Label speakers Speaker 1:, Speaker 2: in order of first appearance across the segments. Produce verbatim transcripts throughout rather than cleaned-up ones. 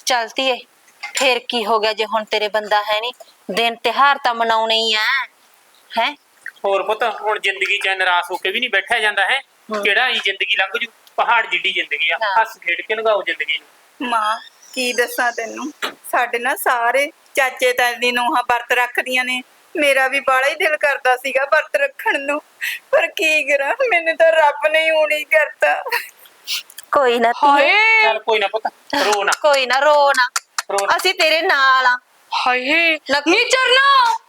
Speaker 1: चलती है फिर की हो गया जे हुण तेरे बंदा है नहीं दिन त्योहार तां मनाउणे ही आ है
Speaker 2: होर पुत हुण जिंदगी च निराश होके भी नहीं बैठा जांदा है किहड़ा ही जिंदगी लंघ जू पहाड़ जिड्डी जिंदगी आ हस खेड के लंघाओ जिंदगी नूं
Speaker 3: मां की दसां तैनूं साडे ना सारे चाचे ताए दी नूंहां वरत रखदियां ने मेरा भी बड़ा ही दिल करदा सीगा वरत रखण नूं पर की करा मैनूं तां रब ने ही हुणी करता
Speaker 1: कोई ना धीए
Speaker 2: चल कोई ना पुत रो ना
Speaker 1: कोई ना रो ना
Speaker 2: रो ना।
Speaker 1: ਅਸੀਂ तेरे नाल आ
Speaker 4: ਹਾਏ ਨੀ ਚਰਨਾ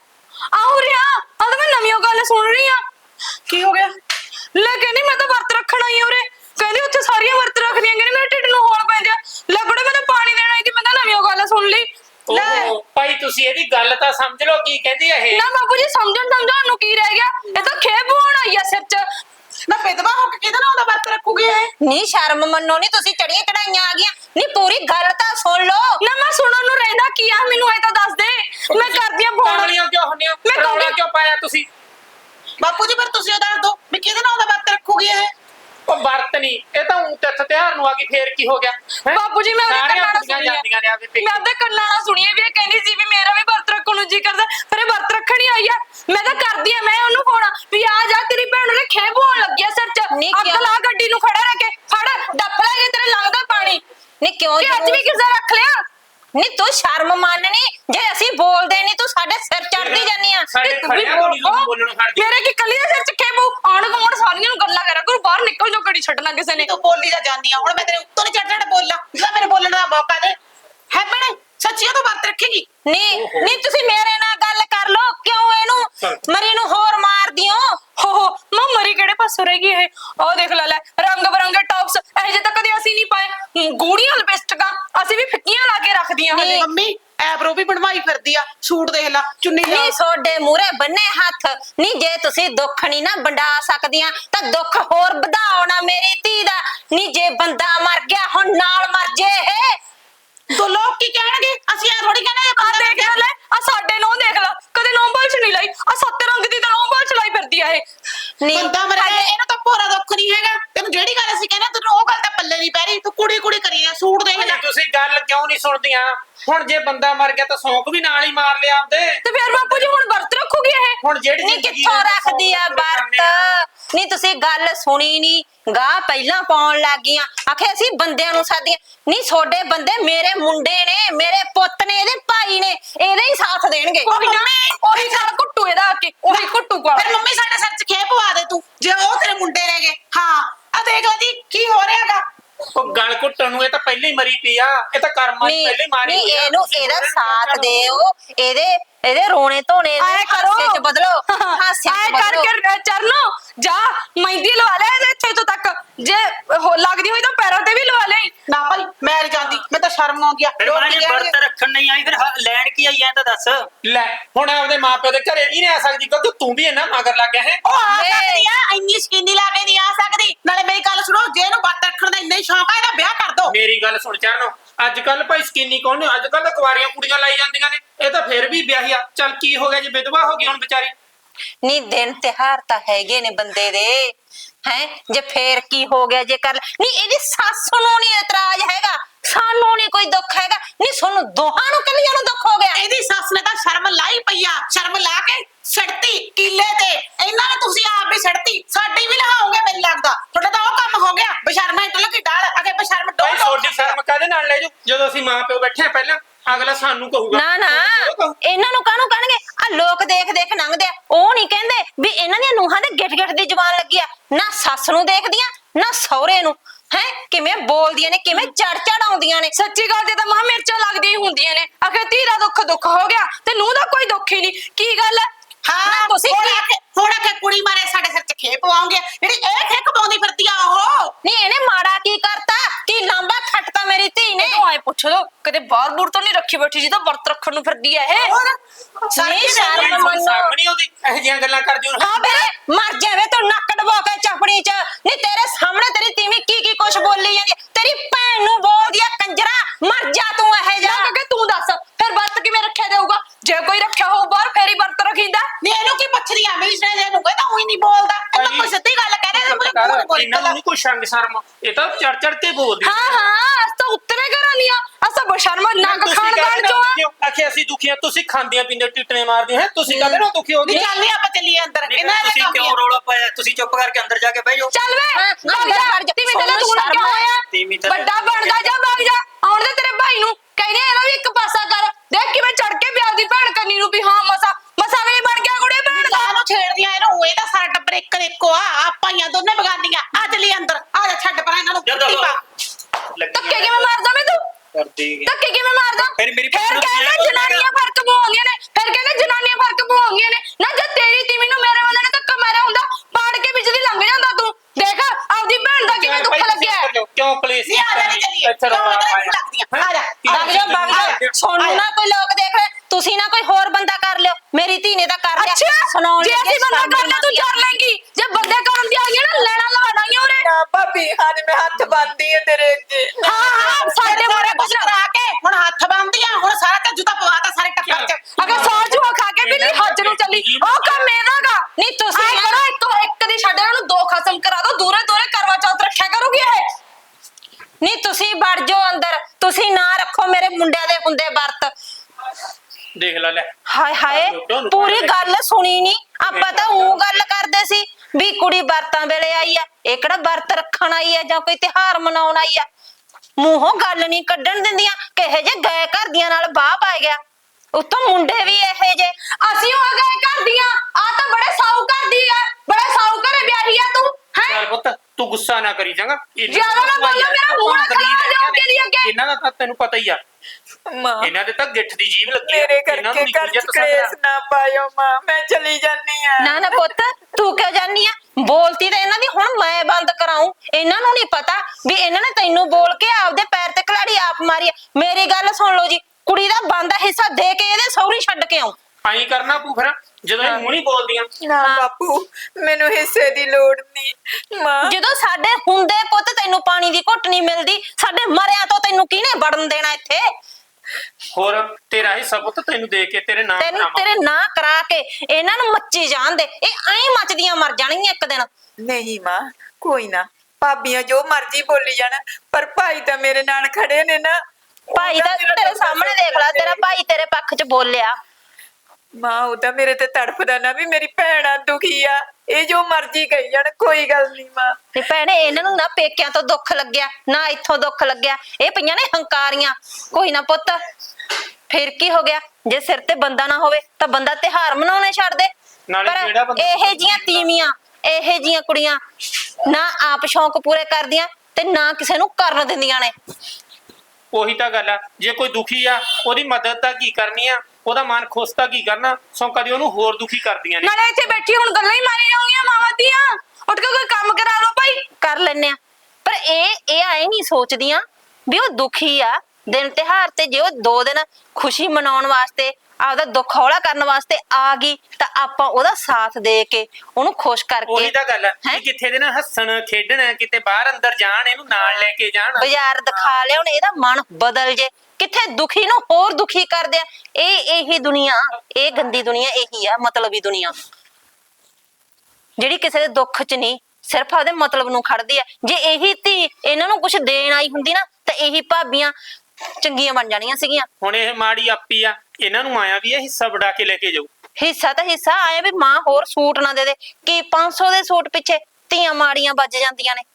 Speaker 4: ਆਉ ਰਿਆ ਆ ਤਾਂ ਮੈਂ ਨਵੀਂ ਗੱਲ ਸੁਣ ਰਹੀ ਆ ਕੀ ਹੋ ਗਿਆ ਲੈ ਕਹਿੰਦੀ ਮੈਂ ਤਾਂ ਵਰਤ ਰੱਖਣ ਆਈ ਉਰੇ ਕਹਿੰਦੀ ਉੱਥੇ ਸਾਰੀਆਂ ਵਰਤ ਰੱਖਦੀਆਂ ਕਹਿੰਦੀ ਮੇਰੇ ਢਿੱਡ ਨੂੰ ਹੋਲ ਪੈਂਦੇ ਆ ਲੱਗੜੇ ਮੈਂ ਤਾਂ ਪਾਣੀ ਦੇਣ ਆਈ ਸੀ ਮੈਂ ਤਾਂ ਨਵੀਂ ਗੱਲ ਸੁਣ ਲਈ
Speaker 2: ਓਹੋ ਭਾਈ ਤੁਸੀਂ ਇਹਦੀ ਗੱਲ ਤਾਂ ਸਮਝ ਲਓ ਕੀ ਕਹਿੰਦੀ ਆ ਇਹ
Speaker 4: ਨਾ ਬਾਪੂ ਜੀ ਸਮਝਣ ਸਮਝਾਉਣ ਨੂੰ ਕੀ ਰਹਿ ਗਿਆ ਇਹ ਤਾਂ ਖੇਪ ਹੋਣ ਆਈ ਆ ਸਿਰ 'ਚ
Speaker 3: ਨਾ ਵਿਧਵਾ ਹੋ ਕੇ ਕਿਹਦੇ ਨਾਲ ਉਹਦਾ ਵਰਤ ਰੱਖੂਗੀ ਇਹ
Speaker 1: ਨੀ ਸ਼ਰਮ ਮੰਨੋ ਨੀ ਤੁਸੀਂ ਚੜੀਆਂ ਚੜਾਈਆਂ ਆ ਗਈਆਂ ਨੀ ਪੂਰੀ ਗੱਲ ਤਾਂ ਸੁਣ ਲਓ
Speaker 4: ਨਾ ਮੈਂ ਸੁਣਨ ਨੂੰ ਰਹਿੰਦਾ ਕੀ ਆ ਮੈਨੂੰ ਇਹ ਤਾਂ ਦੱਸ ਦੇ ਮੈਂ ਕਰਦੀ ਆ ਫੋਨ
Speaker 2: ਕਾਮਲੀਆਂ ਕਿਉਂ ਹੁੰਨੇ ਹੋ
Speaker 4: ਮੈਂ
Speaker 2: ਰੌਲਾ
Speaker 4: ਕਹੂੰਗੀ-
Speaker 2: ਕਿਉਂ ਪਾਇਆ ਤੁਸੀਂ
Speaker 3: ਬਾਪੂ ਜੀ ਪਰ ਤੁਸੀਂ ਉਹ ਦੱਸ ਦੋ ਵੀ ਕਿਹਦੇ ਨਾਲ ਉਹਦਾ ਵਰਤ ਰੱਖੂਗੀ ਇਹ
Speaker 2: ਉਹ ਵਰਤ ਨਹੀਂ ਇਹ ਤਾਂ ਊਂ ਤਿੱਥ ਤਿਉਹਾਰ ਨੂੰ ਆ ਗਈ ਫੇਰ ਕੀ ਹੋ ਗਿਆ ਹੈਂ?
Speaker 4: ਬਾਪੂ ਜੀ ਮੈਂ ਉਹਦੇ
Speaker 2: ਸਾਰੀਆਂ
Speaker 4: ਕੰਨਾਂ ਨਾਲ
Speaker 2: ਕੁੜੀਆਂ
Speaker 4: ਸੁਣੀ ਆ।
Speaker 2: ਜਾਂਦੀਆਂ ਨੇ ਆ ਕੇ ਪੇਕੇ।
Speaker 4: ਮੈਂ ਉਹਦੇ ਕੰਨਾਂ ਨਾਲ ਸੁਣੀ ਆ ਵੀ ਇਹ ਕਹਿੰਦੀ ਸੀ ਵੀ ਮੇਰਾ ਵੀ ਵਰਤ ਰੱਖਣ ਨੂੰ ਜੀ ਕਰਦਾ ਪਰ ਇਹ ਵਰਤ ਰੱਖਣ ਹੀ ਆਈ ਆ ਮੈਂ ਤਾਂ ਕਰਦੀ ਆ ਮੈਂ ਉਹਨੂੰ ਫੋਨ ਵੀ ਆ ਜਾ ਤੇਰੀ ਭੈਣ ਦੇ ਖੇਪ ਹੋਣ ਲੱਗੀ ਆ ਸਿਰ 'ਚ
Speaker 1: ਨਹੀਂ
Speaker 4: ਅੱਗ
Speaker 1: ਕਿਉਂ?
Speaker 4: ਲਾ ਗੱਡੀ ਨੂੰ ਖੜਾ ਰੱਖ ਕੇ ਫੜ ਡੱਫ ਲੈ ਜੇ ਤੇਰੇ ਲੰਘਦਾ ਪਾਣੀ
Speaker 1: ਨੀ ਕਿਉਂ
Speaker 4: ਕਿ ਅੱਜ ਵੀ ਕਿਸੇ ਰੱਖ ਲਿਆ
Speaker 1: ਨੀ ਤੂੰ ਸ਼ਰਮ ਮੰਨਣੀ ਜੇ ਅਸੀਂ ਬੋਲਦੇ ਨਹੀਂ ਤੂੰ ਸਾਡੇ ਸਿਰ ਚੜਦੀ ਜਾਨੀ ਆ
Speaker 2: ਸਾਡੇ
Speaker 4: ਤੂੰ ਵੀ
Speaker 2: ਖੜਿਆ ਨੂੰ ਨਹੀਂ
Speaker 4: ਉਹ
Speaker 2: ਬੋਲਣੋਂ ਖੜਦੀ
Speaker 4: ਮੇਰੇ ਕੀ ਕੱਲੀ ਦੇ ਸਿਰ 'ਚ ਖੇਪ ਆਣ ਗਵਾਣ ਸਾਰੀਆਂ ਨੂੰ ਗੱਲਾਂ ਕਰਿਆ ਕਰੂ ਬਾਹਰ ਨਿਕਲ ਜੋ ਗੱਡੀ ਛੱਡਣਾ ਕਿਸੇ ਨੇ
Speaker 3: ਤੂੰ ਬੋਲੀ ਜਾ ਜਾਂਦੀ ਆ ਹੁਣ ਮੈਂ ਤੇਰੇ ਉੱਤੋਂ ਨਹੀਂ ਚੜ ਚੜ ਬੋਲਾਂ ਜਿਹੜਾ ਮੈਨੂੰ ਬੋਲਣ ਦਾ ਮੌਕਾ ਦੇ ਹੈ ਭੈਣੇ ਸੱਚੀਓ ਤੂੰ ਵਰਤ ਰੱਖੇਗੀ
Speaker 1: ਨੀ ਨੀ ਤੁਸੀਂ ਮੇਰੇ ਨਾਲ ਗੱਲ ਕਰ ਲੋ ਕਿਉਂ ਇਹਨੂੰ
Speaker 2: ਚੱਲ।
Speaker 1: ਮਰੀ ਨੂੰ ਹੋਰ ਮਾਰਦੀ ਹੋ
Speaker 4: ਹੋ ਹੋ ਮਾਂ ਮਰੀ ਕਿਹੜੇ ਪਾਸੋਂ ਰਹਿ ਗਈ ਇਹ ਉਹ ਦੇਖ ਲੈ ਲੈ ਰੰਗ ਬਰੰਗੇ ਟੌਪਸ ਇਹ ਜੇ ਤਾਂ ਕਦੇ ਅਸੀਂ ਨਹੀਂ ਪਾਏ ਗੂੜੀਆਂ ਲਿਪਸਟਿਕਾਂ ਅਸੀਂ ਵੀ ਫਿੱਕੀਆਂ ਲਾ ਕੇ ਰੱਖਦੀਆਂ ਹਲੇ
Speaker 3: ਮੰਮੀ ਐਬਰੋ ਵੀ ਬਣਵਾਈ ਫਿਰਦੀ ਆ ਸੂਟ ਦੇਖ ਲੈ ਚੁੰਨੀ ਲਾ
Speaker 1: ਨੀ ਸੋਡੇ ਮੂਰੇ ਬੰਨੇ ਹੱਥ ਨੀ ਜੇ ਤੁਸੀਂ ਦੁੱਖ ਨਹੀਂ ਨਾ ਵੰਡਾ ਸਕਦੀਆਂ ਤਾਂ ਦੁੱਖ ਹੋਰ ਵਧਾਓ ਨਾ ਮੇਰੀ ਧੀ ਦਾ ਨੀ ਜੇ ਬੰਦਾ ਮਰ ਗਿਆ ਹੁਣ ਨਾਲ ਮਰ ਜੇ ਇਹ
Speaker 3: ਦੋ ਲੋਕ ਕੀ ਕਹਿਣਗੇ ਅਸੀਂ ਐ ਥੋੜੀ ਕਹਿਣਾ ਇਹ
Speaker 4: ਆ
Speaker 3: ਬੰਦਾ
Speaker 4: ਦੇਖ ਲੈ ਆ ਸਾਡੇ ਨੌ ਦੇਖ ਲੈ ਕਦੇ ਨੌ ਬਾਲ ਚ ਨਹੀਂ ਲਾਈ ਆ ਸੱਤ ਰੰਗ ਦੀ ਤਾਂ ਨੌ ਬਾਲ ਚ ਲਾਈ ਫਿਰਦੀ ਆ ਇਹ
Speaker 1: ਨੀ
Speaker 3: ਬੰਦਾ ਮਰਿਆ ਇਹਨੂੰ ਤਾਂ ਭੋਰਾ ਦੁੱਖ ਨਹੀਂ ਹੈਗਾ ਤੈਨੂੰ ਜਿਹੜੀ ਗੱਲ ਅਸੀਂ ਕਹਿੰਦੇ ਤੈਨੂੰ ਉਹ ਗੱਲ ਤਾਂ ਪੱਲੇ ਨਹੀਂ ਪੈ ਰਹੀ ਤੂੰ ਕੁੜੀ ਕੁੜੀ ਕਰੀ ਆ ਸੂਟ ਦੇਖ ਲੈ
Speaker 2: ਤੁਸੀਂ ਗੱਲ ਕਿਉਂ ਨਹੀਂ ਸੁਣਦੀਆਂ ਹੁਣ ਜੇ ਬੰਦਾ ਮਰ ਗਿਆ ਤਾਂ ਸੌਂਕ ਵੀ ਨਾਲ ਹੀ ਮਾਰ ਲਿਆ ਆਪਦੇ
Speaker 4: ਤੇ ਫਿਰ ਬਾਪੂ ਜੀ ਹੁਣ ਵਰਤ ਰੱਖੂਗੀ ਇਹ
Speaker 2: ਹੁਣ ਜਿਹੜੀ
Speaker 1: ਨੀ
Speaker 2: ਜ਼ਿੰਦਗੀ
Speaker 1: ਕਿੱਥੋਂ
Speaker 2: ਹੈ,
Speaker 1: ਰੱਖਦੀ ਆ
Speaker 2: ਸੌਂਕ ਪੂਰੇ ਕਰਨੇ ਆ।
Speaker 1: ਵਰਤ ਨੀ ਤੁਸੀਂ ਗੱਲ ਸੁਣੀ ਨੀ ਗਾਹ ਪਹਿਲਾਂ ਪਾਉਣ ਲੱਗ ਗਈਆਂ ਆਖੇ ਅਸੀਂ ਬੰਦਿਆਂ ਨੂੰ ਸਾਦੀਆਂ ਨੀ ਛੋਡੇ ਬੰਦੇ ਮੇਰੇ ਮੁੰਡੇ ਨੇ ਮੇਰੇ ਪੁੱਤ ਨੇ ਇਹਦੇ ਭਾਈ ਨੇ ਇਹਦੇ ਹੀ ਸਾਥ ਦੇਣਗੇ
Speaker 4: ਉਹੀ ਨਾ ਉਹੀ ਗੱਲ ਕੁੱਟੂ ਇਹਦਾ ਆ ਕੇ ਉਹੀ ਕੁੱਟੂ ਕੋਲ
Speaker 3: ਫਿਰ ਮੰਮੀ ਸਾਡੇ ਸਿਰ 'ਚ ਖੇਪ ਪਵਾ ਦੇ ਤੂੰ ਜੇ ਉਹ ਤੇਰੇ ਮੁੰਡੇ ਰਹਿ ਹਾਂ ਆ ਦੇਖ ਲੈ ਜੀ ਕੀ ਹੋ ਰਿਹਾਗਾ
Speaker 2: ਉਹ ਗਲ ਘੁੱਟਣ ਨੂੰ ਇਹ ਤਾਂ ਪਹਿਲਾਂ ਹੀ ਮਰੀ ਪਈ ਆ ਇਹ ਤਾਂ ਕਰਮਾਂ ਦੀ
Speaker 1: ਨੀ
Speaker 2: ਪਹਿਲਾਂ ਹੀ ਮਾਰੀ
Speaker 1: ਨੀ
Speaker 2: ਹੋਈ ਆ।
Speaker 1: ਇਹਨੂੰ
Speaker 2: ਤੁਸੀਂ
Speaker 1: ਇਹਦਾ
Speaker 2: ਉਹਦੇ
Speaker 1: ਸਾਥ
Speaker 2: ਨਾਲ
Speaker 1: ਦਿਓ ਇਹਦੇ ਇਹਦੇ ਰੋਣੇ ਧੋਣੇ
Speaker 4: ਆਏ ਕਰੋ
Speaker 1: ਹਾਸੇ ਚ ਬਦਲੋ ਹਾਸੇ
Speaker 4: ਆਏ
Speaker 1: ਚ ਬਦਲੋ
Speaker 4: ਕਰਕੇ ਚਰਨੋ ਜਾ ਮਹਿੰਦੀ ਲਵਾ ਲੈ ਇਹਦੇ ਇੱਥੇ ਤੋਂ ਤੱਕ ਜੇ ਹੋ ਲੱਗਦੀ ਹੋਈ ਤਾਂ ਪੈਰਾਂ ਤੇ ਵੀ ਲਵਾ ਲੈ
Speaker 3: ਨਾ ਭਾਈ ਮੈਂ ਨਹੀਂ ਜਾਂਦੀ ਮੈਂ ਤਾਂ ਸ਼ਰਮ ਆਉਂਦੀ ਆ
Speaker 5: ਫਿਰ
Speaker 3: ਲੋਕ
Speaker 5: ਮਾਂ
Speaker 3: ਕੀ
Speaker 5: ਜੇ
Speaker 3: ਕਹਿਣਗੇ?
Speaker 5: ਵਰਤ ਰੱਖਣ ਨਹੀਂ ਆਈ ਫਿਰ ਹ- ਲੈਣ ਕੀ ਆਈ ਐ ਤਾਂ ਦੱਸ
Speaker 2: ਲੈ ਹੁਣ ਆਪਦੇ ਮਾਪਿਓ ਦੇ ਘਰੇ ਨਹੀਂ ਰਹਿ ਸਕਦੀ ਕਿਉਂਕਿ ਤੂੰ ਵੀ ਇਹਨਾਂ ਮਗਰ ਲੱਗ ਗਿਆ ਹੈ
Speaker 3: ਉਹ ਆ
Speaker 1: ਵੇ।
Speaker 3: ਸਕਦੀ ਆ ਇੰਨੀ ਸ਼ਕੀਨੀ ਲਾ ਕੇ ਨਹੀਂ ਆ ਸਕਦੀ ਨਾਲੇ ਮੇਰੀ ਗੱਲ ਸੁਣੋ ਜੇ ਇਹਨੂੰ ਵਰਤ ਰੱਖਣ ਦਾ ਇੰਨਾ ਹੀ ਸ਼ੌਂਕ ਆ ਇਹਦਾ ਵਿਆਹ ਕਰ ਦੋ
Speaker 2: ਮੇਰੀ ਗੱਲ ਸੁਣ ਚਰਨੋ ਅੱਜ ਕੱਲ ਭਾਈ ਸਕੀਨੀ ਕੌਣ ਨੇ ਅੱਜ ਕੱਲ ਤਾਂ ਕੁਆਰੀਆਂ ਕੁੜੀਆਂ ਲਾਈ ਜਾਂਦੀਆਂ ਨੇ ਇਹ ਤਾਂ ਫੇਰ ਵੀ ਵਿਆਹੀ ਆ ਚੱਲ ਕੀ ਹੋ ਗਿਆ ਜੇ ਵਿਧਵਾ ਹੋ ਗਈ ਹੁਣ ਵਿਚਾਰੀ
Speaker 1: ਨੀ ਦਿਨ ਤਿਹਾਰ ਤਾਂ ਹੈਗੇ ਨੇ ਬੰਦੇ ਦੇ ਹੈ ਜੇ ਫੇਰ ਕੀ ਹੋ ਗਿਆ ਜੇ ਕਰ ਨੀ ਇਹਦੀ ਸੱਸ ਨੂੰ ਨਹੀਂ ਇਤਰਾਜ਼ ਹੈਗਾ ਸਾਨੂੰ ਨਹੀਂ ਕੋਈ ਦੁੱਖ ਹੈਗਾ ਨੀ ਸਾਨੂੰ ਦੋਹਾਂ ਨੂੰ ਕੱਲੀਆਂ ਨੂੰ ਦੁੱਖ ਹੋ ਗਿਆ
Speaker 3: ਇਹਦੀ ਸੱਸ ਨੇ ਤਾਂ ਸ਼ਰਮ ਲਾਈ ਪਈ ਆ ਸ਼ਰਮ ਲਾ ਕੇ ਸੜਤੀ ਕੀਲੇ ਤੇ ਇਹਨਾਂ ਨੇ ਤੁਸੀਂ ਆਪ ਵੀ ਸੜਤੀ ਸਾਡੀ ਵੀ ਲਹਾਓਗੇ ਮੈਨੂੰ ਲੱਗਦਾ ਤੁਹਾਡਾ ਤਾਂ ਉਹ ਕੰਮ ਹੋ ਗਿਆ ਬਸ਼ਰਮਾ ਇੰਟਲ ਕੀ ਡਾਲ ਅਗੇ ਬਸ਼ਰਮ
Speaker 2: ਭਾਈ
Speaker 3: ਡੋਲ
Speaker 2: ਛੋਟੀ ਸ਼ਰਮ ਕਾਹਦੇ ਨਾਲ ਲੈ ਜੂ ਜਦੋਂ ਅਸੀਂ ਮਾਂ ਪਿਓ ਬੈਠੇ ਆ ਪਹਿਲਾਂ ਅਗਲਾ ਸਾਨੂੰ ਕਹੂਗਾ
Speaker 1: ਨਾ ਨਾ ਇਹਨਾਂ ਨੂੰ ਕਾਹਨੂੰ ਕਹਿਣਗੇ ਆ ਲੋਕ ਦੇਖ ਦੇਖ ਲੰਘਦੇ ਆ ਉਹ ਨਹੀਂ ਕਹਿੰਦੇ ਵੀ ਇਹਨਾਂ ਦੀਆਂ ਨੂੰਹਾਂ ਦੇ ਗਿੱਟ ਗਿੱਟ ਦੀ ਜ਼ੁਬਾਨ ਲੱਗੀ ਆ ਨਾ ਸੱਸ ਨੂੰ ਦੇਖਦੀਆਂ ਨਾ ਸਹੁਰੇ ਨੂੰ ਹੈ ਕਿਵੇਂ ਬੋਲਦੀਆਂ ਨੇ ਕਿਵੇਂ ਚੜ ਚੜ ਆਉਂਦੀਆਂ ਨੇ
Speaker 4: ਸੱਚੀ ਗੱਲ ਤੇ ਤਾਂ ਮਾਂ ਮਿਰਚਾਂ ਲੱਗਦੀਆਂ ਹੀ ਹੁੰਦੀਆਂ ਨੇ ਆਖੇ ਧੀਰਾ ਦੁੱਖ ਦੁੱਖ ਹੋ ਗਿਆ ਤੇ ਨੂੰ ਦਾ ਕੋਈ ਦੁੱਖ ਹੀ ਨਹੀਂ ਕੀ ਗੱਲ ਹੈ
Speaker 3: ਹਾਂ
Speaker 1: ਤੁਸੀਂ
Speaker 3: ਹੁਣ
Speaker 1: ਕੀ-
Speaker 3: ਆ ਕੇ ਹੁਣ ਆ ਕੇ ਕੁੜੀ ਮਾਰੇ ਸਾਡੇ ਸਿਰ 'ਚ ਖੇਪ ਪਾਉਂਗੇ ਜਿਹੜੀ ਇਹ ਖੇਪ ਪਾਉਂਦੀ ਫਿਰਦੀ ਆ ਉਹ
Speaker 1: ਨਹੀਂ ਇਹਨੇ ਮਾੜਾ ਕੀ ਕਰਤਾ ਕੀ ਲਾਂਬਾ ਖੱਟਤਾ ਮੇਰੀ ਧੀ ਨੇ
Speaker 4: ਤੂੰ ਆਏ ਪੁੱਛ ਲੋ ਕਦੇ ਬਾਹਰ ਬੂਰ ਤੋਂ ਨਹੀਂ ਰੱਖੀ ਬੈਠੀ ਜੀ ਤਾਂ ਵਰਤ ਰੱਖਣ ਨੂੰ ਫਿਰਦੀ ਐ ਇਹ
Speaker 3: ਹੋਰ
Speaker 1: ਨਹੀਂ ਸ਼ਰਮ
Speaker 2: ਭਾਈ
Speaker 1: ਮੰਨੋ।
Speaker 2: ਤੁਹਾਨੂੰ ਸ਼ਰਮ ਨਹੀਂ ਆਉਂਦੀ ਇਹੋ ਜਿਹੀਆਂ ਗੱਲਾਂ ਕਰਦੀ ਹੁਣ
Speaker 1: ਹਾਂ ਬੇ ਮਰ ਜਾਵੇ ਤੂੰ ਨੱਕ ਡਬੋ ਕੇ ਚਪੜੀ ਚ ਨਹੀਂ ਤੇਰੇ ਸਾਹਮਣੇ ਤੇਰੀ ਤੀਵੀਂ ਕੀ ਕੀ ਕੁਛ ਬੋਲੀ ਜਾਂਦੀ ਤੇਰੀ ਭੈਣ ਨੂੰ ਬੋਲਦੀ ਆ ਕੰਜਰਾ ਮਰ ਜਾ ਤੂੰ ਇਹ ਜਾ
Speaker 4: ਜਾ ਕੇ ਤੂੰ ਦੱਸ ਫਿਰ ਵਰਤ ਕਿਵੇਂ ਰੱਖਿਆ ਜਾਊਗਾ ਜੇ ਕੋਈ ਰੱਖਿਆ ਹੋਊ ਬਾਹਰ ਫੇਰੀ ਵਰਤ ਰੱਖੀਂਦਾ
Speaker 3: ਨਹੀਂ ਇਹਨੂੰ ਕੀ ਪੁੱਛਦੀ ਆ ਮੇਰੀ ਸਣੇ ਨੂੰ ਕਹਿੰਦਾ ਉਹੀ ਨਹੀਂ ਬੋਲਦਾ ਇਹ ਤਾਂ ਕੋਈ ਸਿੱਧੀ ਗੱਲ ਕਹਿ ਰਿਹਾ ਤੇ
Speaker 2: ਕਰ
Speaker 3: ਮੈਨੂੰ ਬੋਲ
Speaker 2: ਇਹਨਾਂ ਨੂੰ ਨੀ ਕੋਈ ਸ਼ੰਗ ਸ਼ਰਮ ਇਹ ਤਾਂ ਚੜ ਚੜ ਕੇ ਬੋਲਦੀ
Speaker 4: ਹਾਂ ਹਾਂ ਅਸ ਤਾਂ ਉੱਤਰੇ ਘਰਾਂ ਦੀਆਂ ਅਸ ਤਾਂ ਬਸ਼ਰਮਾ
Speaker 2: ਦੁਖੀਆਂ ਤੁਸੀਂ ਖਾਂਦੀਆਂ ਪੀਂਦੇ ਟਿੱਟਣੇ ਮਾਰਦੀਆਂ ਹੈ ਤੁਸੀਂ ਕਦੇ ਨਾ ਦੁਖੀ ਹੋ ਗਏ
Speaker 6: ਚੱਲ ਨਹੀਂ ਆਪਾਂ ਚੱਲੀਏ ਅੰਦਰ ਇਹਨਾਂ ਦੇ
Speaker 5: ਤੁਸੀਂ
Speaker 6: ਕੰਮ
Speaker 5: ਕਿਉਂ ਰੌਲਾ ਪਾਇਆ ਤੁਸੀਂ ਚੁੱਪ ਕਰਕੇ ਅੰਦਰ ਜਾ ਕੇ ਬਹਿ ਜਾਓ
Speaker 4: ਚੱਲ ਵੇ
Speaker 1: ਹਾਂ,
Speaker 4: ਵਗ
Speaker 1: ਅੰਦਰ
Speaker 4: ਜਾ
Speaker 1: ਵੜ ਜਾ।
Speaker 4: ਤੀਵੀਂ ਤੇਰੇ ਤੂੰ
Speaker 1: ਸੋਨੂੰ
Speaker 4: ਲੱਗਿਆ ਹੋਇਆ
Speaker 5: ਤੀਵੀਂ ਤੇਰੇ-
Speaker 4: ਵੱਡਾ ਬਣਦਾ ਜਾ ਵਗ ਜਾ ਆਉਣ ਦੇ ਤੇਰੇ ਭਾਈ ਨੂੰ ਕਹਿੰਦੇ ਇਹਦਾ ਵੀ ਇੱਕ ਪਾਸਾ ਕਰ ਦੇਖ ਕਿਵੇਂ ਚੜ ਕੇ ਵਿਆਹ ਦੀ ਭੈਣ ਕੰਨੀ ਨੂੰ ਵੀ ਹਾਂ ਮਸਾ ਮਸਾ ਵੀ ਬਣ ਗਿਆ ਕੁੜੇ ਭੈਣ ਦਾ
Speaker 6: ਕਾਹਨੂੰ ਛੇੜਦੀਆਂ ਇਹਨੂੰ ਇਹ ਤਾਂ ਸਾਰਾ ਟੱਬਰ ਇੱਕ ਦੇ ਇੱਕੋ ਆ ਆਪਾਂ ਹੀ ਆ ਦੋਨੇ ਬਗਾਨੀਆਂ ਆ ਚੱਲੀ ਅੰਦਰ ਆ ਜਾ ਛੱਡ ਪਰਾਂ ਇਹਨਾਂ ਨੂੰ
Speaker 5: ਜਦੋਂ
Speaker 6: ਕੁੱਟੀ ਪਾ
Speaker 4: ਧੱਕੇ ਕਿਵੇਂ ਮਾਰਦਾ ਮੈਂ ਤੂੰ
Speaker 5: ਕਰਦੀ
Speaker 4: ਧੱਕੇ ਕਿਵੇਂ ਮਾਰਦਾ
Speaker 5: ਫਿਰ ਮੇਰੀ ਭੈਣ
Speaker 4: ਫਿਰ
Speaker 5: ਨੂੰ
Speaker 4: ਕਹਿੰਦੇ
Speaker 5: ਕਿਹਾ
Speaker 4: ਜਨਾਨੀਆਂ ਫਰਕ ਪਵਾਉਂਦੀਆਂ ਨੇ ਫਿਰ ਕਹਿੰਦੇ ਜਨਾਨੀਆਂ ਫਰਕ ਪਵਾਉਂਦੀਆਂ ਨੇ ਨਾ ਜਦ ਤੇਰੀ ਤੀਵੀਂ ਨੂੰ ਮੇਰੇ ਵਾਲੇ ਨੇ ਧੱਕਾ ਮਾਰਿਆ ਹੁੰਦਾ ਪਾੜ ਕੇ ਬਿਜਲੀ ਲੰਘ ਜਾਂਦਾ ਤੂੰ ਦੇਖ ਆਪਦੀ ਭੈਣ ਦਾ ਕਿਵੇਂ ਦੁੱਖ ਲੱਗਿਆ ਹੈ।
Speaker 2: ਕਿਉਂ ਪਲੀਸ
Speaker 6: ਨਹੀਂ ਆ ਜਾ ਨਹੀਂ ਚੱਲੀਏ
Speaker 2: ਇੱਥੇ ਰੌਲਾ
Speaker 6: ਕਿਉਂ
Speaker 2: ਪਾਇਆ
Speaker 6: ਲੱਗਦੀਆਂ ਆ ਜਾ
Speaker 1: ਵਗ ਜਾ ਵਗ ਜਾ ਸੋਨੂੰ ਨਾ ਕੋਈ ਲੋਕ ਦੇਖ ਲੈ ਤੁਸੀਂ ਨਾ ਕੋਈ ਹੋਰ ਬੰਦਾ ਕਰ ਲਿਓ ਮੇਰੀ ਧੀ ਨੇ ਤਾਂ ਕਰ ਲਿਆ
Speaker 4: ਅੱਛਾ
Speaker 1: ਸੁਣਾਉਣ
Speaker 4: ਜੇ
Speaker 1: ਲੱਗੇ
Speaker 4: ਅਸੀਂ ਬੰਦਾ
Speaker 1: ਸ਼ਰਮ
Speaker 4: ਕਰ ਲਿਆ ਤੂੰ
Speaker 1: ਆਉਂਦੀ ਆ।
Speaker 4: ਜਰ ਲੈਂਗੀ ਜੇ ਬੰਦੇ ਕਰਨ ਦੀ ਆ ਗਈ ਨਾ ਲੈਣਾ ਲਵਾਣਾਂਗੇ ਉਰੇ
Speaker 3: ਨਾ ਭਾਬੀ ਅੱਜ ਮੈਂ ਹੱਥ ਬੰਨਦੀ ਆ ਤੇਰੇ ਅੱਗੇ
Speaker 4: ਹਾਂ ਹਾਂ ਸਾਡੇ ਮੋਰੇ
Speaker 6: ਕੁਝ ਕਰਾ ਕੇ ਹੁਣ ਹੱਥ ਬੰਨਦੀਆਂ ਹੁਣ ਸਾਰਾ ਤੇ ਜੁੱਤਾ ਪਵਾਤਾ ਸਾਰੇ ਟੱਬਰ ਚ
Speaker 4: ਅਗਰ ਸਾਜੂ ਖਾ ਕੇ ਬਿੱਲੀ ਹੱਜ ਨੂੰ ਚੱਲੀ ਉਹ ਕੰਮ ਇਹਦਾਗਾ
Speaker 1: ਨਹੀਂ ਤੁਸੀਂ
Speaker 4: ਐ
Speaker 1: ਨਾ-
Speaker 4: ਕਰੋ ਇੱਕ ਇੱਕ ਦੀ ਛੱਡ ਇਹਨਾਂ ਨੂੰ ਦੋ ਖਸਮ ਕਰਾ ਦੋ ਦੂਰੇ ਦੂਰੇ ਕਰਵਾ ਚੌਥ ਰੱਖਿਆ ਕਰੂਗੀ ਇਹ
Speaker 1: ਨਹੀਂ ਤੁਸੀਂ ਵੜ ਜਾਓ ਅੰਦਰ ਤੁਸੀਂ ਨਾ ਰੱਖੋ ਮੇਰੇ ਮੁੰਡਿਆਂ ਦੇ ਹੁੰਦੇ ਵਰਤ
Speaker 2: ਦੇਖ ਲੈ ਲੈ
Speaker 1: ਹਾਏ ਹਾਏ
Speaker 2: ਕਿਉਂ ਨੀ
Speaker 1: ਪੂਰੀ
Speaker 2: ਕਰਦੇ?
Speaker 1: ਗੱਲ ਸੁਣੀ ਨਹੀਂ ਆਪਾਂ ਤਾਂ ਉਹ ਗੱਲ ਕਰਦੇ ਸੀ ਵੀ ਕੁੜੀ ਵਰਤਾਂ ਵੇਲੇ ਆਈ ਆ ਇਹ ਕਿਹੜਾ ਵਰਤ ਰੱਖਣ ਆਈ ਆ ਜਾਂ ਕੋਈ ਤਿਹਾਰ ਮਨਾਉਣ ਆਈ ਆ ਮੂੰਹੋਂ ਗੱਲ ਨਹੀਂ ਕੱਢਣ ਦਿੰਦੀਆਂ ਕਿਹੇ ਜੇ ਗਏ ਘਰ ਦੀਆਂ ਨਾਲ ਬਾਹ ਪਾ ਗਿਆ ਉੱਤੋਂ ਮੁੰਡੇ ਵੀ ਇਹੇ ਜੇ
Speaker 4: ਅਸੀਂ ਹੋ ਗਏ ਘਰ ਦੀਆਂ ਆ ਤਾਂ ਬੜੇ ਸਾਊ ਘਰ ਦੀ ਆ ਬੜੇ ਸਾਊ ਘਰੇ ਵਿਆਹੀ ਆ ਤੂੰ ਹੈ
Speaker 2: ਯਾਰ ਪੁੱਤ ਤੂੰ ਗੁੱਸਾ ਨਾ ਕਰੀ ਚੰਗਾ ਇਹਨਾਂ
Speaker 4: ਜ਼ਿਆਦਾ ਨਾ ਬੋਲੋ, ਮੇਰਾ ਮੂੰਹ ਨਾ ਖਰਾਬ ਜਾ ਅੱਗੇ ਦੀ ਅੱਗੇ।
Speaker 2: ਇਹਨਾਂ ਦਾ ਤਾਂ ਤੈਨੂੰ ਪਤਾ ਹੀ ਆ
Speaker 3: ਮਾਂ
Speaker 2: ਇਹਨਾਂ ਦੇ ਤਾਂ ਗਿੱਠ ਦੀ ਜੀਭ ਲੱਗੀ ਆ।
Speaker 3: ਮੇਰੇ
Speaker 2: ਇਹਨਾਂ ਨੂੰ
Speaker 3: ਕਰਕੇ
Speaker 2: ਨੀ
Speaker 3: ਘਰ
Speaker 2: ਕੋਈ
Speaker 3: ਚ
Speaker 2: ਇੱਜ਼ਤ
Speaker 3: ਕਲੇਸ਼
Speaker 2: ਸਕਦਾ।
Speaker 3: ਨਾ ਪਾਇਓ ਮਾਂ ਮੈਂ ਚਲੀ ਜਾਨੀ ਆ
Speaker 1: ਨਾ ਨਾ ਪੁੱਤ ਤੂੰ ਕਿਉਂ ਜਾਨੀ ਆ ਬੋਲਤੀ ਤਾਂ ਇਹਨਾਂ ਦੀ ਹੁਣ ਮੈਂ ਬੰਦ ਕਰਾਉਂ ਇਹਨਾਂ ਨੂੰ ਨਹੀਂ ਪਤਾ ਵੀ ਇਹਨਾਂ ਨੇ ਤੈਨੂੰ ਬੋਲ ਕੇ ਆਪਦੇ ਪੈਰ ਤੇ ਕਲਾੜੀ ਆਪ ਮਾਰੀ ਆ। ਮੇਰੀ ਗੱਲ ਸੁਣ ਲਓ ਜੀ ਕੁੜੀ ਦਾ ਬੰਦਾ ਹਿੱਸਾ ਦੇ ਕੇ ਇਹਦੇ ਸਹੁਰੀ ਛੱਡ ਕੇ ਆਉਂ
Speaker 2: ਆਈ ਕਰਨਾ ਪੂ ਫਿਰ ਜਦੋਂ ਇਹ ਮੂੰਹ ਨਹੀਂ ਬੋਲਦੀਆਂ
Speaker 3: ਨਾ ਬਾਪੂ ਮੈਨੂੰ ਹਿੱਸੇ ਦੀ ਲੋੜ ਨਹੀਂ ਮਾਂ
Speaker 1: ਜਦੋਂ ਸਾਡੇ ਹੁੰਦੇ ਪੁੱਤ ਤੈਨੂੰ ਪਾਣੀ ਦੀ ਘੁੱਟ ਨਹੀਂ ਮਿਲਦੀ ਸਾਡੇ ਮਰਿਆਂ ਤੋਂ ਤੈਨੂੰ ਕਿਹਨੇ ਵੜਨ ਦੇਣਾ ਇੱਥੇ
Speaker 2: ਹੋਰ ਤੇਰਾ ਹਿੱਸਾ ਪੁੱਤ ਤੈਨੂੰ ਦੇ ਕੇ ਤੇਰੇ ਨਾਮ
Speaker 1: ਤੈਨੂੰ
Speaker 2: ਬਣਾਵਾਂ।
Speaker 1: ਤੇਰੇ ਨਾਂ ਕਰਾ ਕੇ ਇਹਨਾਂ ਨੂੰ ਮੱਚੀ ਜਾਣ ਦੇ ਇਹ ਐਂ ਮੱਚਦੀਆਂ ਮਰ ਜਾਣਗੀਆਂ ਇੱਕ ਦਿਨ
Speaker 3: ਨਹੀਂ ਮਾਂ ਕੋਈ ਨਾ ਭਾਬੀਆਂ ਜੋ ਮਰਜ਼ੀ ਬੋਲੀ ਜਾਣ ਪਰ ਭਾਈ ਤਾਂ ਮੇਰੇ ਨਾਲ ਖੜੇ ਨੇ ਨਾ
Speaker 1: ਭਾਈ ਦਾ ਤੇਰੇ ਸਾਹਮਣੇ ਦੇਖ ਲੈ ਤੇਰਾ ਭਾਈ ਤੇਰੇ ਪੱਖ 'ਚ ਬੋਲਿਆ
Speaker 3: ਮਾਂ ਉਹ ਤਾਂ ਮੇਰੇ ਤੇ ਤੜਫਦਾ ਨਾ ਵੀ ਮੇਰੀ ਭੈਣ ਆ ਦੁਖੀ ਆ ਇਹ ਜੋ ਮਰਜ਼ੀ ਕਹੀ ਜਾਣ ਕੋਈ ਗੱਲ ਨਹੀਂ ਮਾਂ
Speaker 1: ਤੇ ਭੈਣੇ ਇਹਨਾਂ ਨੂੰ ਨਾ ਪੇਕਿਆਂ ਤੋਂ ਦੁੱਖ ਲੱਗਿਆ ਨਾ ਇੱਥੋਂ ਦੁੱਖ ਲੱਗਿਆ ਇਹ ਪਈਆਂ ਨੇ ਹੰਕਾਰੀਆਂ ਕੋਈ ਨਾ ਪੁੱਤ ਫਿਰ ਕੀ ਹੋ ਗਿਆ ਜੇ ਸਿਰ ਤੇ ਬੰਦਾ ਨਾ ਹੋਵੇ ਤਾਂ ਬੰਦਾ ਤਿਹਾਰ ਮਨਾਉਣੇ ਛੱਡ ਦੇ
Speaker 2: ਨਾਲੇ ਜਿਹੜਾ
Speaker 1: ਪਰ
Speaker 2: ਬੰਦਾ-
Speaker 1: ਇਹੇ ਜੀਆਂ ਤੀਵੀਆਂ ਇਹੇ ਜੀਆਂ ਕੁੜੀਆਂ ਨਾ ਆਪ ਸ਼ੌਂਕ ਪੂਰੇ ਕਰਦੀਆਂ ਤੇ ਨਾ ਕਿਸੇ ਨੂੰ ਕਰਨ ਦਿੰਦੀਆਂ ਨੇ
Speaker 2: ਉਹੀ ਤਾਂ ਗੱਲ ਆ ਜੇ ਕੋਈ ਦੁਖੀ ਆ ਉਹਦੀ ਮਦਦ ਤਾਂ ਕੀ ਕਰਨੀ ਆ ਉਹਦਾ ਮਨ ਖੁਸ਼ ਤਾਂ ਕੀ ਕਰਨਾ ਸੋ ਕਦੇ ਉਹਨੂੰ ਹੋਰ ਦੁਖੀ ਕਰਦੀਆਂ ਨੇ
Speaker 4: ਨਾਲੇ ਇੱਥੇ ਬੈਠੀ ਹੁਣ ਗੱਲਾਂ ਹੀ ਮਾਰੀ ਜਾਉਂਗੀਆਂ ਮਾਵਾਂ ਦੀਆਂ ਉੱਠ ਕੇ ਕੋਈ ਕੰਮ ਕਰਾ ਦੋ ਭਾਈ
Speaker 1: ਕਰ ਲੈਨੇ ਆ ਪਰ ਇਹ ਇਹ ਆਏ ਨਹੀਂ ਸੋਚਦੀਆਂ ਵੀ ਉਹ ਦੁਖੀ ਆ ਦਿਨ ਤਿਹਾਰ ਤੇ ਜੇ ਉਹ ਦੋ ਦਿਨ ਖੁਸ਼ੀ ਮਨਾਉਣ ਵਾਸਤੇ ਆਪਦਾ ਦੁੱਖ ਹੌਲਾ ਕਰਨ ਵਾਸਤੇ ਆ ਗਈ ਤਾਂ ਆਪਾਂ ਉਹਦਾ ਸਾਥ ਦੇ ਕੇ ਉਹਨੂੰ ਖੁਸ਼ ਕਰਕੇ
Speaker 2: ਉਹੀ ਤਾਂ ਗੱਲ ਆ
Speaker 1: ਹੈਂ?
Speaker 2: ਕਿ ਕਿੱਥੇ ਦੇ ਨਾ ਹੱਸਣ ਖੇਡਣ ਕਿਤੇ ਬਾਹਰ ਅੰਦਰ ਜਾਣ ਇਹਨੂੰ ਨਾਲ ਲੈ ਕੇ ਜਾਣ
Speaker 1: ਬਾਜ਼ਾਰ ਦਿਖਾ ਲਿਆਉਣ ਇਹਦਾ ਮਨ ਬਦਲ ਜੇ ਕਿੱਥੇ ਦੁਖੀ ਨੂੰ ਹੋਰ ਦੁਖੀ ਕਰਦੇ ਆ ਇਹ ਇਹੀ ਦੁਨੀਆ ਇਹ ਗੰਦੀ ਦੁਨੀਆ ਇਹੀ ਆ ਮਤਲਬੀ ਦੁਨੀਆ ਜਿਹੜੀ ਕਿਸੇ ਦੇ ਦੁੱਖ 'ਚ ਨਹੀਂ ਸਿਰਫ ਆਪਦੇ ਮਤਲਬ ਨੂੰ ਖੜਦੀ ਆ ਜੇ ਇਹੀ ਧੀ ਇਹਨਾਂ ਨੂੰ ਕੁਝ ਦੇਣ ਆਈ ਹੁੰਦੀ ਨਾ ਤਾਂ ਇਹੀ ਭਾਬੀਆਂ ਚੰਗੀਆਂ ਬਣ ਜਾਣੀਆਂ ਸੀਗੀਆਂ
Speaker 2: ਹੁਣ ਇਹ ਮਾੜੀ ਆਪੀ ਆ ਇਹਨਾਂ ਨੂੰ ਆਇਆ ਵੀ ਇਹ ਹਿੱਸਾ ਵੜਾ ਕੇ ਲੈ ਕੇ ਜਾਊ
Speaker 1: ਹਿੱਸਾ ਤਾਂ ਹਿੱਸਾ ਆਇਆ ਵੀ ਮਾਂ ਹੋਰ ਸੂਟ ਨਾ ਦੇ ਦੇ ਕਿ ਪੰਜ ਸੌ ਦੇ ਸੂਟ ਪਿੱਛੇ ਧੀਆਂ ਮਾੜੀਆਂ ਵੱਜ ਜਾਂਦੀਆਂ ਨੇ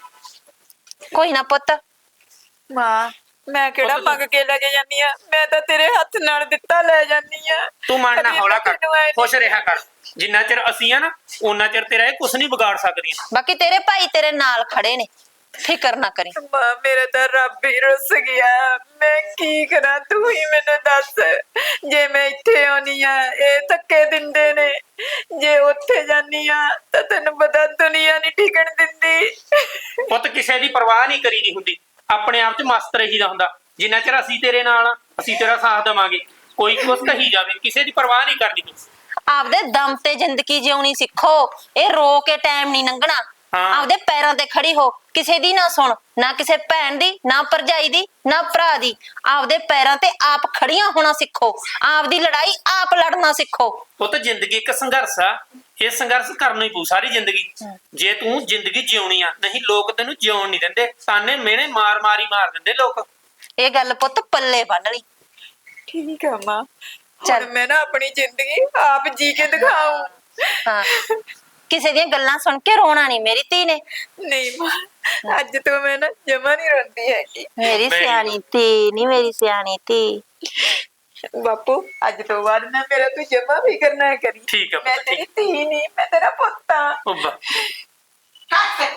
Speaker 1: ਕੋਈ ਨਾ ਪੁੱਤ
Speaker 3: ਮਾਂ ਮੈਂ ਕਿਹੜਾ ਮੰਗ ਕੇ ਲੈ ਕੇ ਜਾਨੀ ਆ ਮੈਂ ਤਾਂ ਤੇਰੇ ਹੱਥ ਨਾਲ ਦਿੱਤਾ ਲੈ ਜਾਨੀ ਆ
Speaker 2: ਤੂੰ ਮਨ ਨਾ
Speaker 3: ਕਦੀ
Speaker 2: ਹੌਲਾ ਕਰ
Speaker 3: ਮੈਨੂੰ ਐਂ ਨੀ-
Speaker 2: ਖੁਸ਼ ਰਿਹਾ ਕਰ ਜਿੰਨਾ ਚਿਰ ਅਸੀਂ ਆ ਨਾ ਉਹਨਾਂ ਚਿਰ ਤੇਰਾ ਇਹ ਕੁਝ ਨਹੀਂ ਵਿਗਾੜ ਸਕਦੀਆਂ
Speaker 1: ਬਾਕੀ ਤੇਰੇ ਭਾਈ ਤੇਰੇ ਨਾਲ ਖੜੇ ਨੇ ਫਿਕਰ ਨਾ ਕਰੀ
Speaker 3: ਮਾਂ ਮੇਰਾ ਤਾਂ ਰੱਬ ਹੀ ਰੁੱਸ ਗਿਆ ਮੈਂ ਕੀ ਕਰਾਂ ਤੂੰ ਹੀ ਮੈਨੂੰ ਦੱਸ ਜੇ ਮੈਂ ਇੱਥੇ ਆਉਣੀ ਆ ਇਹ ਧੱਕੇ ਦਿੰਦੇ ਨੇ ਜੇ ਉੱਥੇ ਜਾਨੀ ਆ ਤਾਂ ਤੈਨੂੰ ਪਤਾ ਦੁਨੀਆ ਨਹੀਂ ਟਿਕਣ ਦਿੰਦੀ
Speaker 2: ਪੁੱਤ ਕਿਸੇ ਦੀ ਪਰਵਾਹ ਨਹੀਂ ਕਰੀਦੀ ਹੁੰਦੀ ਆਪਣੇ ਆਪ 'ਚ ਮਸਤ ਰਹੀਦਾ ਹੁੰਦਾ ਜਿੰਨਾ ਚਿਰ ਅਸੀਂ ਤੇਰੇ ਨਾਲ ਆ ਅਸੀਂ ਤੇਰਾ ਸਾਥ ਦੇਵਾਂਗੇ ਕੋਈ ਕੁਛ ਕਹੀ ਜਾਵੇ ਕਿਸੇ ਦੀ ਪਰਵਾਹ ਨਹੀਂ ਕਰਨੀ ਤੂੰ
Speaker 1: ਆਪਦੇ ਦਮ ਤੇ ਜ਼ਿੰਦਗੀ ਜਿਉਣੀ ਸਿੱਖੋ ਇਹ ਰੋ ਕੇ ਟਾਈਮ ਨਹੀਂ ਲੰਘਣਾ
Speaker 2: ਹਾਂ।
Speaker 1: ਆਪਦੇ ਪੈਰਾਂ ਤੇ ਖੜੀ ਹੋ ਕਿਸੇ ਦੀ ਨਾ ਸੁਣ ਨਾ ਕਿਸੇ ਭੈਣ ਦੀ ਨਾ ਭਰਜਾਈ ਦੀ ਨਾ ਭਰਾ ਦੀ ਆਪਦੇ ਪੈਰਾਂ ਤੇ ਆਪ ਖੜੀਆਂ ਹੋਣਾ ਸਿੱਖੋ ਆਪਦੀ ਲੜਾਈ ਆਪ ਲੜਨਾ ਸਿੱਖੋ
Speaker 2: ਪੁੱਤ ਜ਼ਿੰਦਗੀ ਇੱਕ ਸੰਘਰਸ਼ ਆ ਇਹ ਸੰਘਰਸ਼ ਕਰਨਾ ਹੀ ਪਊ ਸਾਰੀ ਜ਼ਿੰਦਗੀ ਜੇ ਤੂੰ ਜ਼ਿੰਦਗੀ ਜਿਉਣੀ ਆ ਨਹੀਂ ਲੋਕ ਤੈਨੂੰ ਜਿਉਣ ਨਹੀਂ ਦਿੰਦੇ ਤਾਨੇ ਮਿਹਣੇ ਮਾਰ ਮਾਰੀ ਮਾਰ ਦਿੰਦੇ ਲੋਕ
Speaker 1: ਇਹ ਗੱਲ ਪੁੱਤ ਪੱਲੇ ਬੰਨ ਲਈ
Speaker 3: ਠੀਕ ਆ ਮਾਂ ਚੱਲ ਮੈਂ ਨਾ ਆਪਣੀ ਜ਼ਿੰਦਗੀ ਆਪ ਜੀ ਕੇ ਦਿਖਾऊं।
Speaker 1: ਹਾਂ ਕਿਸੇ ਦੀਆਂ ਗੱਲਾਂ ਸੁਣ ਕੇ ਰੋਣਾ ਨਹੀਂ ਮੇਰੀ ਧੀ ਨੇ।
Speaker 3: ਨਹੀਂ ਮਾਂ ਅੱਜ ਤੋਂ ਮੈਂ ਨਾ ਜਮਾ ਨਹੀਂ ਰੋਂਦੀ ਹੈਗੀ।
Speaker 1: ਮੇਰੀ
Speaker 2: Very
Speaker 1: ਸਿਆਣੀ ਧੀ ਨਹੀਂ, ਮੇਰੀ ਸਿਆਣੀ ਧੀ।
Speaker 3: ਬਾਪੂ ਅੱਜ ਤੋਂ ਬਾਅਦ ਨਾ ਮੇਰਾ ਤੂੰ ਜਮਾ ਫਿਕਰ ਨਾ ਕਰੀ।
Speaker 2: ਠੀਕ ਆ
Speaker 3: ਮੈਂ
Speaker 2: ਪੁੱਤ,
Speaker 3: ਤੇਰੀ ਧੀ ਨਹੀਂ, ਮੈਂ ਤੇਰਾ ਪੁੱਤ ਆ।
Speaker 2: ਉਹ ਬਾ-
Speaker 6: ਹੱਥ